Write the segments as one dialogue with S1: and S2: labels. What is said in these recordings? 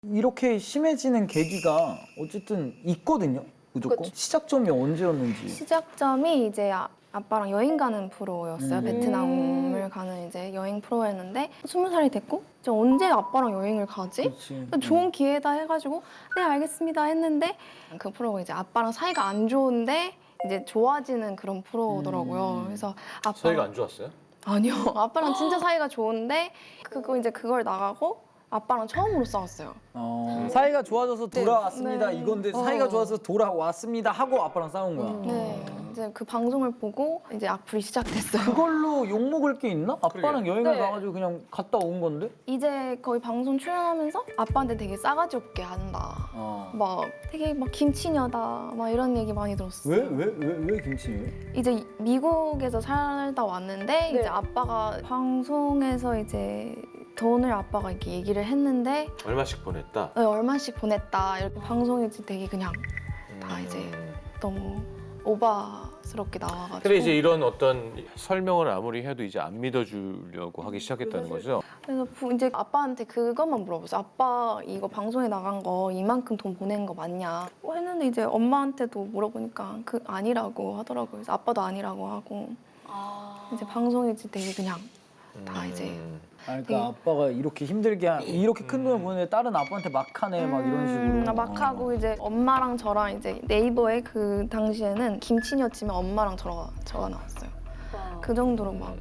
S1: 이렇게 심해지는 계기가 어쨌든 있거든요. 무조건.
S2: 그쵸.
S1: 시작점이 언제였는지.
S2: 시작점이 이제 아빠랑 여행 가는 프로였어요. 베트남을 가는 이제 여행 프로였는데 20살이 됐고 이제 언제 아빠랑 여행을 가지?
S1: 그렇지.
S2: 좋은 기회다 해가지고 네 알겠습니다 했는데 그 프로가 이제 아빠랑 사이가 안 좋은데 이제 좋아지는 그런 프로더라고요. 그래서 아빠
S3: 사이가 안 좋았어요?
S2: 아니요. 아빠랑 진짜 사이가 좋은데 그걸 나가고 아빠랑 처음으로 싸웠어요.
S1: 사이가 좋아져서 돌아왔습니다.
S2: 네.
S1: 이건데 사이가 좋아서 돌아왔습니다 하고 아빠랑 싸운 거야.
S2: 네. 이제 그 방송을 보고 이제 악플이 시작됐어요.
S1: 그걸로 욕 먹을 게 있나? 아빠랑 여행을
S2: 네.
S1: 가가지고 그냥 갔다 온 건데?
S2: 이제 거의 방송 출연하면서 아빠한테 되게 싸가지 없게 한다. 막 되게 막 김치녀다. 막 이런 얘기 많이 들었어요.
S1: 왜 김치예요?
S2: 이제 미국에서 살다 왔는데 이제 아빠가 방송에서 이제 돈을 아빠가 이렇게 얘기를 했는데
S3: 얼마씩 보냈다?
S2: 네, 얼마씩 보냈다. 이렇게 방송이 되게 그냥 다 이제 너무 오바스럽게 나와가지고.
S3: 근데 이제 이런 어떤 설명을 아무리 해도 이제 안 믿어주려고 하기 시작했다는 거죠?
S2: 그래서 이제 아빠한테 그것만 물어봤어요. 아빠 이거 방송에 나간 거 이만큼 돈 보낸 거 맞냐? 했는데 이제 엄마한테도 물어보니까 그 아니라고 하더라고요. 그래서 아빠도 아니라고 하고 이제 방송이 되게 그냥 다 이제
S1: 그러니까 아빠가 이렇게 힘들게 이렇게 큰 돈을 보내는데 딸은 아빠한테 막하네 막 이런 식으로.
S2: 막 하고 이제 엄마랑 저랑 이제 네이버에 그 당시에는 김치녀 치면 엄마랑 저가 나왔어요. 그 정도로 막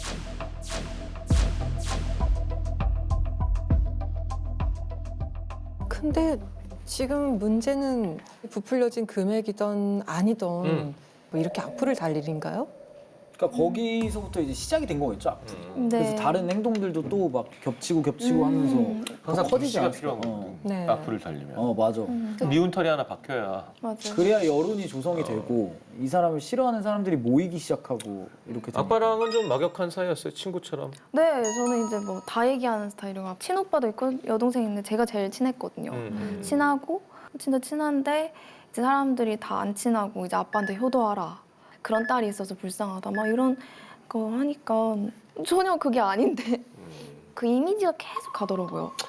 S4: 근데 지금 문제는 부풀려진 금액이던 아니던 뭐 이렇게 악플을 달 일인가요?
S1: 그러니까 거기서부터 이제 시작이 된 거겠죠. 앞으로.
S2: 네.
S1: 그래서 다른 행동들도 또 막 겹치고 하면서
S3: 항상
S1: 더 커지지
S3: 불씨가
S1: 않았을까?
S3: 필요한 거거든.
S4: 네.
S3: 악플을 달리면.
S1: 맞아.
S3: 미운 털이 하나 박혀야.
S2: 맞아요.
S1: 그래야 여론이 조성이 되고 이 사람을 싫어하는 사람들이 모이기 시작하고 이렇게 되는
S3: 아빠랑은 좀 막역한 사이였어요, 친구처럼.
S2: 네, 저는 이제 뭐 다 얘기하는 스타일이고 친오빠도 있고 여동생 있는데 제가 제일 친했거든요. 친하고 진짜 친한데 이제 사람들이 다 안 친하고 이제 아빠한테 효도하라. 그런 딸이 있어서 불쌍하다. 막 이런 거 하니까 전혀 그게 아닌데 그 이미지가 계속 가더라고요.